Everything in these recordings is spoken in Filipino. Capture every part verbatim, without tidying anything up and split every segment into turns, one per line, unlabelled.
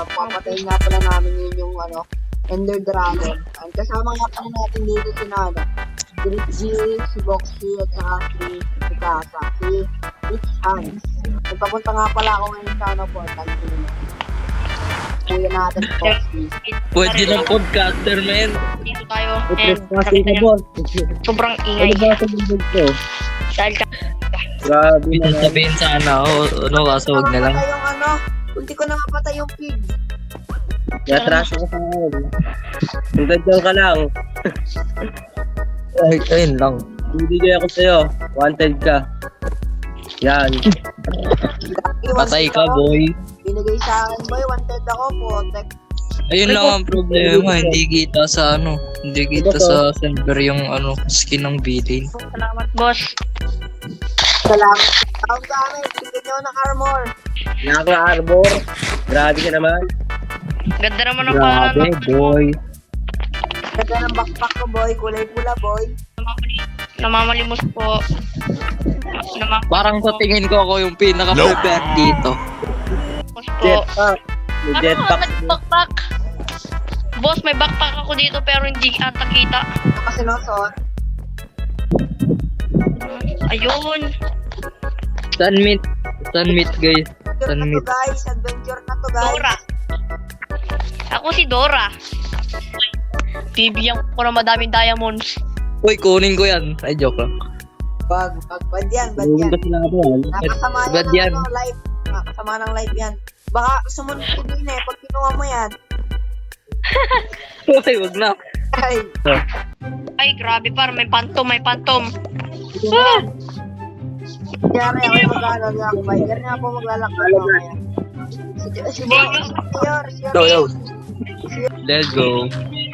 Ah, papatayin nga pala namin yun yung ano, Ender Dragon. And kasama nga pala natin dito si Nana. Si Rick G, si Boxy, at saka si si Kasa, si Rich Hans. Nagpapunta nga pala ako ngayon sa ano portal. Kuya natin si Boxy.
Pwede ng podcaster, man.
Dito tayo.
Putres
And
kasi
nakita
ka,
niyo,
boss.
sobrang
Ano
ingay.
ba sa bundok ko?
Dahil ka,
Grabe na.
Sasabihin sana ako, ano, kaso wag na lang.
Napatay yung ano, kunti ko na mapatay yung pig.
Natraso ko sa akin. Hanggang dyan ka lang.
Ay, ayun lang.
Bibigay ako sa'yo. Wanted ka. Yan.
Patay ka, boy.
Binigay sa akin, boy. Wanted ako, protect.
Ayun lang ang problema, hindi kita sa ano, hindi kita sa server yung ano, skin ng villain.
salamat, boss.
Salamat. Ang gamit, bigyan nyo ng armor.
Naka-arbor. Grabe ka naman.
Ganda naman ang pangalan.
Grabe, boy.
Ganda ng backpack ko, boy. Kulay pula, boy.
Namamalimos po. Namamalimos
Parang sa tingin ko ako yung pinaka-prepared dito.
po.
Jetpack. May
Ano,
jetpack.
nag-backpack? Boss, may backpack ako dito pero hindi ata kita.
Ito kasi nosot.
Ayun.
Sunmeet. Sunmeet, guys.
Adventure na to,
Sunmeet.
guys. Adventure na to, guys.
Dora. Ako si Dora. Bibigyan ko na madaming diamonds.
Uy, kunin ko yan. Ay, joke lang.
Bag, bag, bad yan, bad
Yung
yan.
ba sila ba?
Nakasama
Bad
yan
yan.
ng ano, live. Nakasama ng live yan. Baka sumunod ko din eh, pag kinuha mo yan.
Uy, wag na.
Ay,
Ay, grabe par. May pantom, may pantom.
kaya rin ako yung maglalakbay. Kaya rin ako maglalakbay mamaya. Si, si Boy, si Yor, si Yor.
Yo, yo.
Let's go.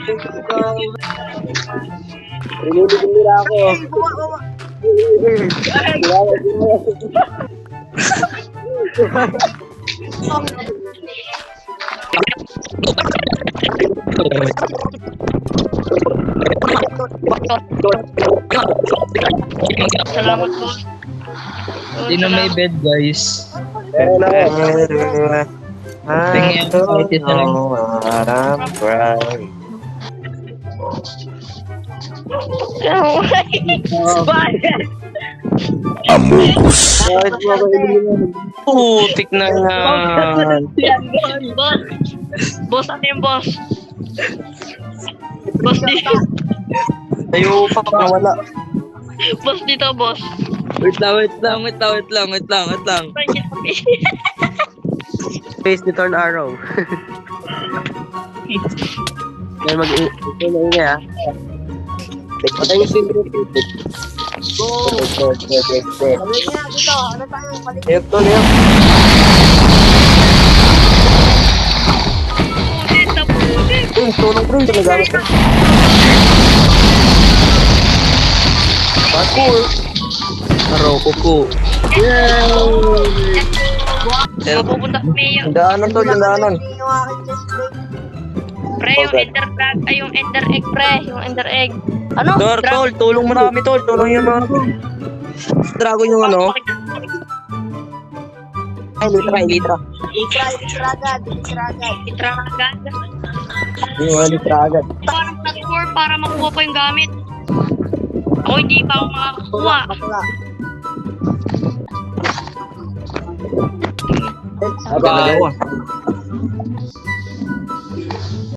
Rinibigin nila ako.
Ay, buwa, buwa.
Salamat po.
Hindi na may bed, guys.
Meron ako.
Tingin ko kahit isa lang.
Bakit mo ako iniwan?
Putik na yan.
Boss. Boss, ano yung boss? Boss dito.
Tayo pa wala.
Boss dito, boss.
Wait lang, wait lang, wait lang, wait lang, wait lang, wait lang.
Face ni Torn Arrow. Kaya mag-i... Ito na ina ha. Patay yung silver people.
Go! Sabi niya, dito, ano tayo, paligid.
Ito na yun.
Pusit na pusit.
Uy, tulong bro. Ito nagamit ka. Parkour.
Maroko po.
Sino pupunta sa Mayo?
Daanan to, daanan.
Yung aking chest plate.
Pre, yung ender drag, ay yung ender egg, pre. Yung ender egg. Ano?
Tol,
Drag-
tol, tulong mo na kami, tol. Tulong yung mga... Dragon yung ano. Ay, litra, ay, litra.
Litra, litra agad, litra agad.
Itra agad.
Yung mga litra agad.
Parang platform para makuha pa yung gamit. Ako hindi pa ako makakakuha.
Bakla.
Bye.